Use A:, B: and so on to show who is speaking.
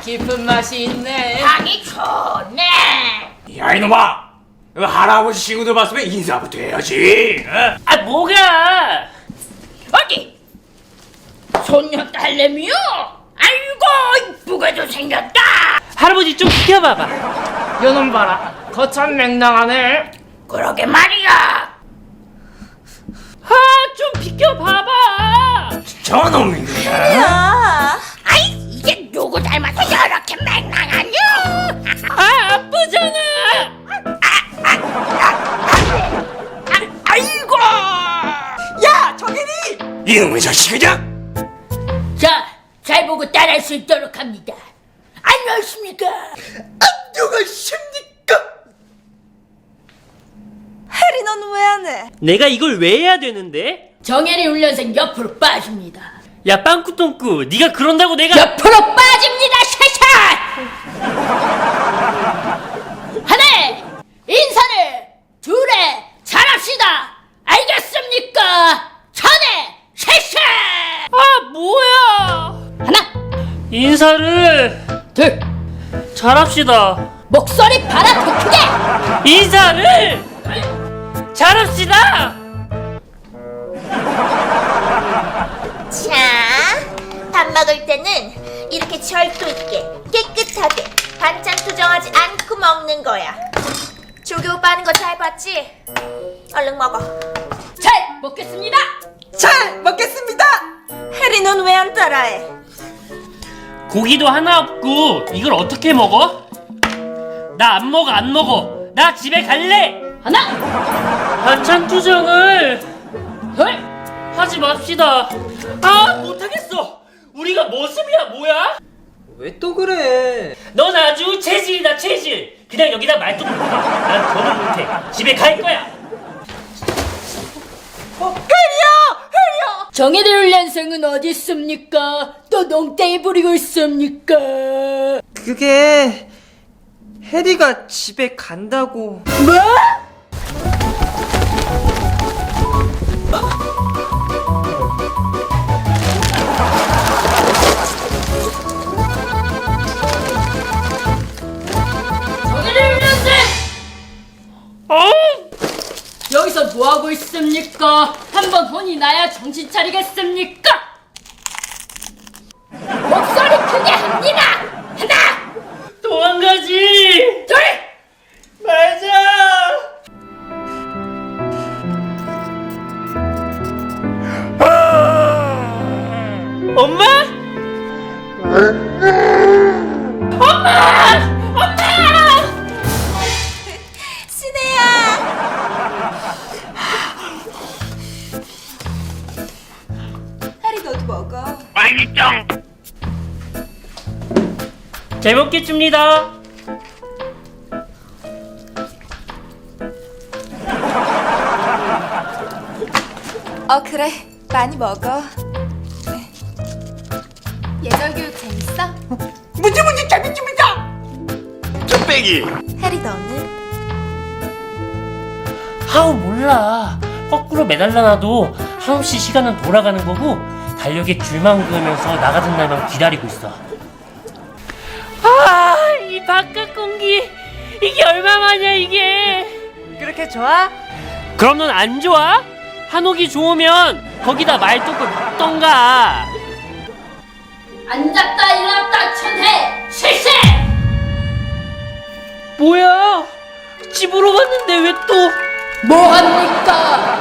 A: 깊은 맛이 있네.
B: 향이 좋네.
C: 야 이놈아, 할아버지 친구들 봤으면 인사부터 해야지. 어?
D: 아 뭐가?
B: 어디? 손녀 딸내미요? 아이고 이쁘게도 생겼다.
D: 할아버지 좀 비켜봐봐.
A: 요놈 봐라. 거참 맹랑하네.
B: 그러게 말이야.
D: 아 좀 비켜봐봐.
C: 저놈이야.
E: 야,
B: 아이 이게 누구 닮아서 저렇게 맹랑하냐?
D: 아 아프잖아.
B: 아이고.
E: 야, 정혜리!
C: 이놈의 자식이냐?
B: 자, 잘 보고 따라할 수 있도록 합니다. 안녕하십니까?
E: 안녕하십니까? 해리, 넌 왜 안 해?
D: 내가 이걸 왜 해야 되는데?
B: 정혜리 훈련생 옆으로 빠집니다.
D: 야 빵꾸똥꾸, 네가 그런다고 내가
B: 옆으로 빠집니다. 샤샤. 하나 인사를 둘에 잘합시다. 알겠습니까? 전에 샤샤.
D: 아 뭐야?
B: 하나
D: 인사를
B: 둘
D: 잘합시다.
B: 목소리 봐라 더 크게.
D: 인사를 잘합시다.
E: 자, 밥 먹을 때는 이렇게 절도 있게 깨끗하게 반찬 투정하지 않고 먹는 거야. 조교 오빠 하는 거 잘 봤지? 얼른 먹어.
B: 잘 먹겠습니다.
E: 잘 먹겠습니다. 해리, 넌 왜 안 따라해?
D: 고기도 하나 없고 이걸 어떻게 먹어? 나 안 먹어 안 먹어. 나 집에 갈래.
B: 하나
D: 반찬 투정을
B: 둘
D: 하지 맙시다. 아 못하겠어. 우리가 모습이야 뭐야?
A: 왜 또 그래?
D: 넌 아주 체질이다 체질. 그냥 여기다 말뚝 박아. 난 더는 못해. 집에 갈 거야.
B: 정혜리 훈련생은 어디 있습니까? 또 농땡이 부리고 있습니까?
A: 그게 해리가 집에 간다고.
B: 뭐? 정혜리 훈련생! 여기서 뭐하고 있습니까? 한번 혼이 나야 정신 차리겠습니까? 목소리 크게 합니다! 하나!
D: 도망가지.
B: 둘!
D: 말자. 엄마?
E: 신혜야! 해리, 너도 먹어.
D: 잘 먹겠습니다.
E: 그래. 많이 먹어. 예절 교육 재밌어?
C: 문제 재밌습니다. 쭈빼기.
E: 해리, 너는?
D: 아우 몰라. 거꾸로 매달려놔도 한없이 시간은 돌아가는 거고 달력에 줄만 그으면서 나가던 날만 기다리고 있어. 아, 이 바깥 공기 이게 얼마만이야 이게.
A: 그렇게 좋아?
D: 그럼 넌 안 좋아? 한옥이 좋으면 거기다 말뚝을 박던가.
B: 앉았다 일어났다 천해 실세!
D: 뭐야? 집으로 갔는데 왜 또?
B: 뭐합니까?